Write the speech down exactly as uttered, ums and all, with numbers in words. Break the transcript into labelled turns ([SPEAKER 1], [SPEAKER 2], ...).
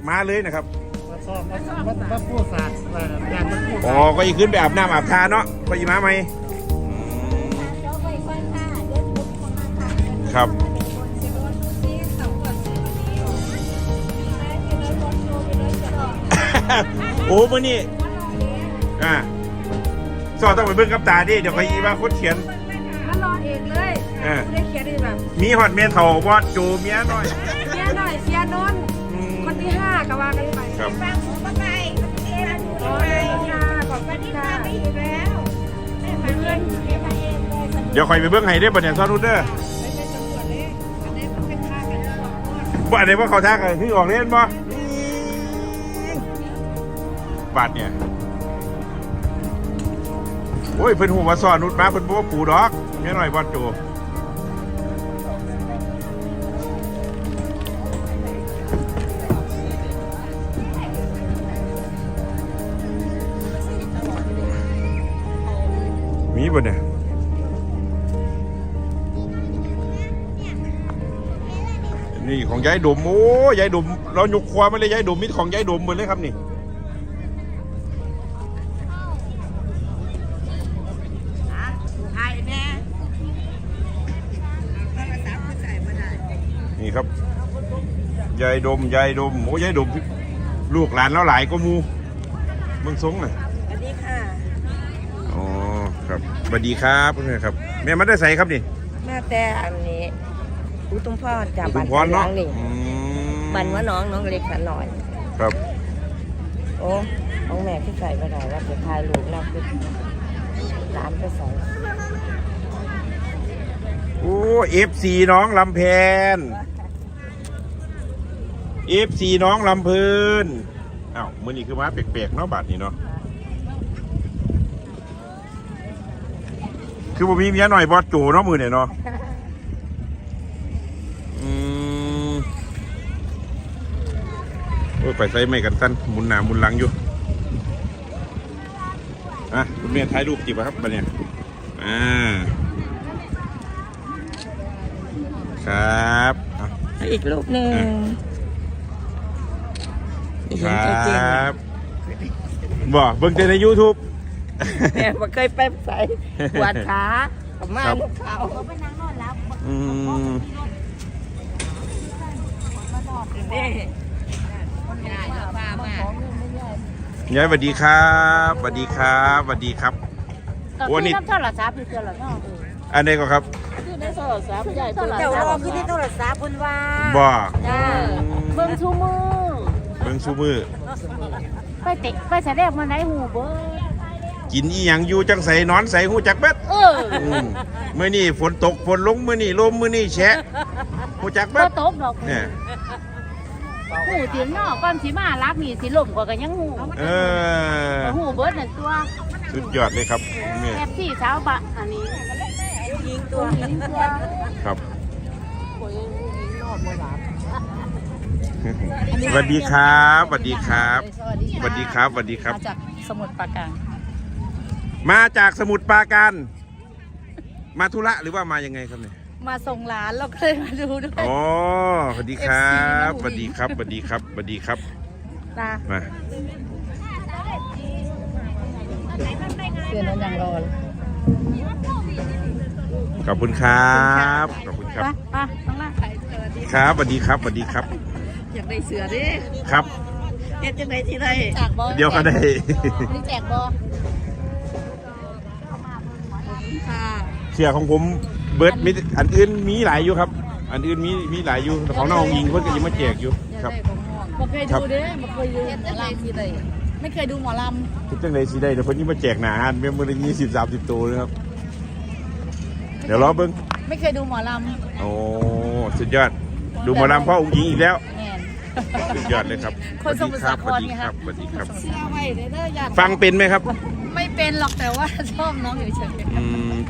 [SPEAKER 1] มาเลยนะครับ
[SPEAKER 2] มาซ้อมมามาพูดศาสตร์งานมาพูด
[SPEAKER 1] อ๋อก็อีกขึ้นไปอาบน้ำอาบทาเนาะก็อีมาไหมครับโอ้มื่อนี้อ่าสอนต้องไปเบิ่งกับตาดิเดี๋ยวใครอีว่าคนเขียน
[SPEAKER 3] มารอเองเลยได้เขียนได้แบบ
[SPEAKER 1] มีหอดเมียเถ่าบอดโจเมียน้อย
[SPEAKER 3] เมียน้อยเสียนนคนที่ห้าก็ว่ากันไป
[SPEAKER 1] ครับ
[SPEAKER 3] ฟังผมมาไปโอ้ยค่ะขอบคุณค่ะไม่อยู่แล้วเพื่อน
[SPEAKER 1] เดี๋ยวคอยไปเบิ่งให้ได้บ่เนี่ยซอนนูเดอร์บ่อันไหนว่าเขาทักอะไรที่ออกเล่นบ่บาดเนี่ยโอ้ยเพิ่นหูมาสอนนุดมาเพิ่นบอกว่าปูดอกแม่หน่อยบอลโจมีบ่เนี่ยนี่ของยายดมโอ้ยายดมเราหยุกควาไม่เลยยายดมมิตรของยายดมหมดเลยครับนี่นี่ครับยายดมยายดมโอ้ยายดมลูกหลานแล้วหลายก็มูเมืองสงน่ะ
[SPEAKER 3] สวัสดีค่ะ
[SPEAKER 1] อ๋อครับสวัสดีครับเพื่อนครับแม่มาได้ใส่ครับนี่
[SPEAKER 3] แม่แต่อันนี้อุตุมพรจาก
[SPEAKER 1] บ้านน้อง
[SPEAKER 3] นี่บ้านว่าน้องน้องเล็กสันหน่อย
[SPEAKER 1] ครับ
[SPEAKER 3] โอ้ของแม่ที่ใส่ไปไหนว่าจะทายลูกแล้วคือร้านไปใส่
[SPEAKER 1] โอ้เอฟซีน้องลำแพนเอฟซีน้องลำเพลินอ้าวมือนี้คือมาแปลกๆเนาะบาทนี้เนาะคือผมมีเมียหน่อยบอสโจเนาะมือเนี่ยเนาะอืมโอ้ไปใส่ไม่กันสั้นมุนหนามุนหลังอยู่อ่ะคุณเมียถ่ายรูปจีบครับบัดเนี่ยอ่าครับ
[SPEAKER 3] อีกรูปหนึ่ง
[SPEAKER 1] ครับบอกเบิ่งแต่ใน ยูทูบ
[SPEAKER 3] แม่มาเคยไปใส่ปวดขากับมาลูกเขาเขาไปนั่งนอนแล้ว
[SPEAKER 1] อืมยายสวัสดีครับสวัสดีครับสวัสดีครับ
[SPEAKER 3] วันนี้โทรศัพท์คือโทรศัพท์
[SPEAKER 1] อันนี้ก็ครับ
[SPEAKER 3] คือในโทรศัพท์ใหญ่ตัวเจ้ารอคือในโทรศัพท์บนว่า
[SPEAKER 1] บ่
[SPEAKER 3] เบิ่งชูมือ
[SPEAKER 1] เบิ่งชูมือ
[SPEAKER 3] ไปเตะไปแสดงมาไหนหูเบิ่ง
[SPEAKER 1] กินอีหยังอยู่จังใส่นอนใส่หูจักเบ็ดเออเมื่อนี่ฝนตกฝนลงเมื่อนี่ลมเมื่อนี่แฉะหูจักเบ็ด
[SPEAKER 3] ตกดอกเนี่ยหูเตียงนอกก้อนสีมารักนี่สีลมกว่ากันยังหู
[SPEAKER 1] เออ
[SPEAKER 3] หูเบิร์ดนั่นตัว
[SPEAKER 1] สุดยอดเลยครับ
[SPEAKER 3] แอบที่สาวบะอันนี้ยิงตัวยิงตัว
[SPEAKER 1] ครับสวัสดีครับสวัสดีครับสวัสดีครับสวัสดีครับ
[SPEAKER 3] มาจากสมุทรปราการ
[SPEAKER 1] มาจากสมุทรปราการมาธุระหรือว่ามายังไงครับเนี่ย
[SPEAKER 3] มาส่งหลานเราก็เลยมาดูด้วย
[SPEAKER 1] อ๋อสวัสดีครับสวัสดีครับสวัสดีครับสวัสดีครับมา
[SPEAKER 3] เตือนน้องยังรอ
[SPEAKER 1] ขอบคุณครับขอบคุณครับ
[SPEAKER 3] อ่ะต้องมา
[SPEAKER 1] ครับสวัสดีครับสวัสดีครับ
[SPEAKER 3] อยากได้เสือดิ
[SPEAKER 1] ครับ
[SPEAKER 3] เอ็ดจะได้ที่ไร
[SPEAKER 1] เดี๋ยวก็ได้
[SPEAKER 3] นี่แจกบอ
[SPEAKER 1] เสือของผมเบิร์ดมีอันอื่นมีหลายอยู่ครับอันอื่นมีมีหลายอยู่ของน้องยิงเพื่อนก็ยังมาแจกอยู่ครับ
[SPEAKER 3] ไม่เคยดูเด้ไม่เคยดูหมอลำที่ใดไม่เคยดูหมอลำ
[SPEAKER 1] ทุกจังเลยสิได้เดี๋ยวเพื่อนนี่มาแจกหนาเมื่อเมื่อยี่สิบสามสิบตัวนะครับเดี๋ยวรอเบิ้ง
[SPEAKER 3] ไม่เคยดูหมอลำ
[SPEAKER 1] โอ้สุดยอดดูหมอลำพ่อองค์หญิงอีกแล้วสุดยอดเลยครับ
[SPEAKER 3] สวัสดีครับ
[SPEAKER 1] สวัสดีครับสวัสดีครับ
[SPEAKER 3] ฟัง
[SPEAKER 1] เป็นไหมครับ
[SPEAKER 3] ไม่เป็นหรอกแต่ว่าชอบน้องอยู่เฉย